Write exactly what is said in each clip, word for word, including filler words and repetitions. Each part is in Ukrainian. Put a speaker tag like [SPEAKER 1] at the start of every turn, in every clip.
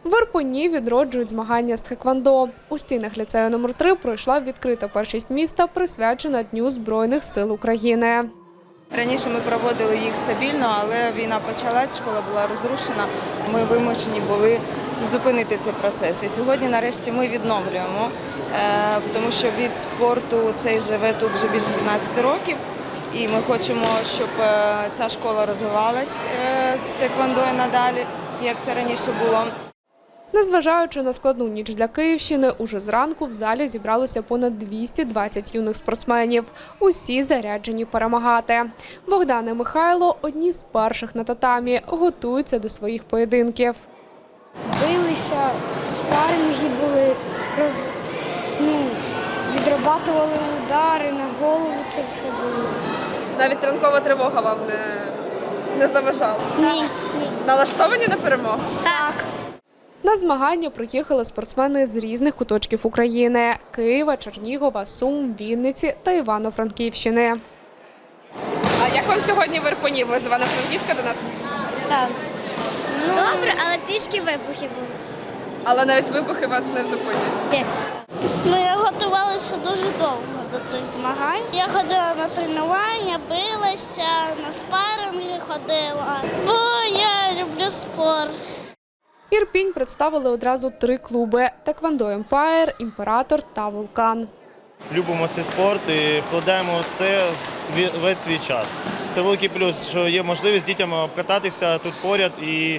[SPEAKER 1] В Ірпені відроджують змагання з тхеквондо. У стінах ліцею номер три пройшла відкрита першість міста, присвячена Дню Збройних сил України.
[SPEAKER 2] Раніше ми проводили їх стабільно, але війна почалась, школа була розрушена. Ми вимушені були зупинити цей процес. І сьогодні, нарешті, ми відновлюємо, тому що від спорту цей живе тут вже більше п'ятнадцяти років. І ми хочемо, щоб ця школа розвивалась з тхеквондо і надалі, як це раніше було.
[SPEAKER 1] Незважаючи на складну ніч для Київщини, уже зранку в залі зібралося понад двісті двадцять юних спортсменів. Усі заряджені перемагати. Богдан і Михайло – одні з перших на татамі, готуються до своїх поєдинків.
[SPEAKER 3] Билися, спарринги були, роз... ну, відрабатували удари, на голову це все було.
[SPEAKER 1] Навіть ранкова тривога вам не, не заважала?
[SPEAKER 3] Ні, ні.
[SPEAKER 1] Налаштовані на перемогу?
[SPEAKER 3] Так.
[SPEAKER 1] На змагання приїхали спортсмени з різних куточків України – Києва, Чернігова, Сум, Вінниці та Івано-Франківщини. А як вам сьогодні в Ірпені? Ви з Івано-Франківська до нас?
[SPEAKER 3] Так. Ну, добре, але трішки вибухи були.
[SPEAKER 1] Але навіть вибухи вас не зупинять.
[SPEAKER 3] Ні. Ну, я готувалася дуже довго до цих змагань. Я ходила на тренування, билася, на спарринги ходила, бо я люблю спорт.
[SPEAKER 1] Ірпінь представили одразу три клуби – Тхеквондо Емпайр, Імператор та Вулкан.
[SPEAKER 4] Любимо цей спорт і вкладаємо в це весь свій час. Це великий плюс, що є можливість дітям обкататися тут поряд і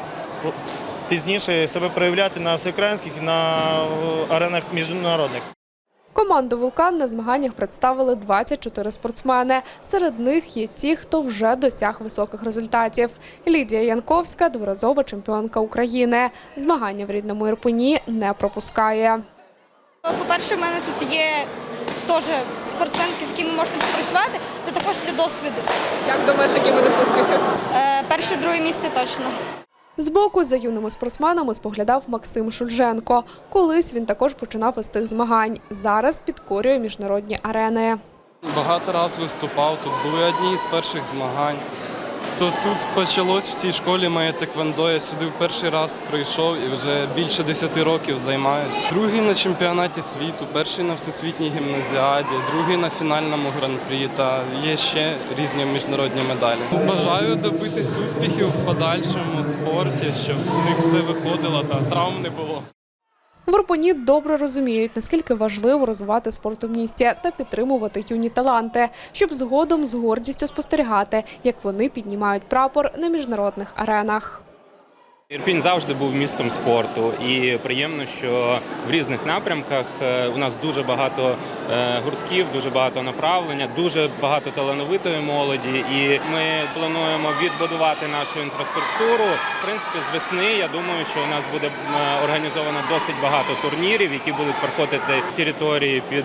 [SPEAKER 4] пізніше себе проявляти на всеукраїнських і на аренах міжнародних.
[SPEAKER 1] Команду «Вулкан» на змаганнях представили двадцять чотири спортсмени. Серед них є ті, хто вже досяг високих результатів. Лідія Янковська – дворазова чемпіонка України. Змагання в рідному Ірпені не пропускає.
[SPEAKER 5] По-перше, в мене тут є теж спортсменки, з якими можна попрацювати, це також для досвіду.
[SPEAKER 1] Як думаєш, які будуть успіхи?
[SPEAKER 5] Е, перше, друге місце точно.
[SPEAKER 1] Збоку за юними спортсменами споглядав Максим Шульженко. Колись він також починав із цих змагань. Зараз підкорює міжнародні арени.
[SPEAKER 6] Багато разів виступав, тут були одні з перших змагань. То тут почалось в цій школі моє тхеквондо. Я сюди в перший раз прийшов і вже більше десяти років займаюся. Другий на чемпіонаті світу, перший на всесвітній гімназіаді, другий на фінальному гран-прі та є ще різні міжнародні медалі. Бажаю добитись успіхів в подальшому спорті, щоб у них все виходило та травм не було.
[SPEAKER 1] В Ірпені добре розуміють, наскільки важливо розвивати спорт у місті та підтримувати юні таланти, щоб згодом з гордістю спостерігати, як вони піднімають прапор на міжнародних аренах.
[SPEAKER 7] Ірпінь завжди був містом спорту і приємно, що в різних напрямках у нас дуже багато гуртків, дуже багато направлення, дуже багато талановитої молоді і ми плануємо відбудувати нашу інфраструктуру. В принципі, з весни, я думаю, що у нас буде організовано досить багато турнірів, які будуть проходити території під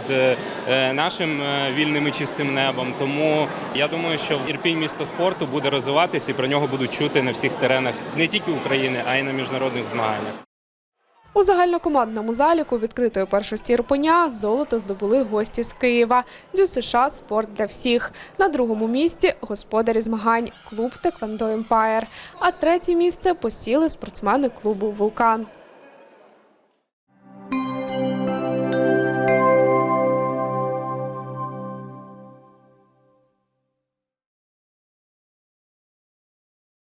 [SPEAKER 7] нашим вільним і чистим небом. Тому я думаю, що Ірпінь місто спорту буде розвиватися і про нього будуть чути на всіх теренах не тільки України, а й на міжнародних змаганнях.
[SPEAKER 1] У загальнокомандному заліку відкритої першості Ірпеня золото здобули гості з Києва – ДЮСШ «Спорт для всіх». На другому місці – господарі змагань – клуб «Тхеквондо Емпайр». А третє місце посіли спортсмени клубу «Вулкан».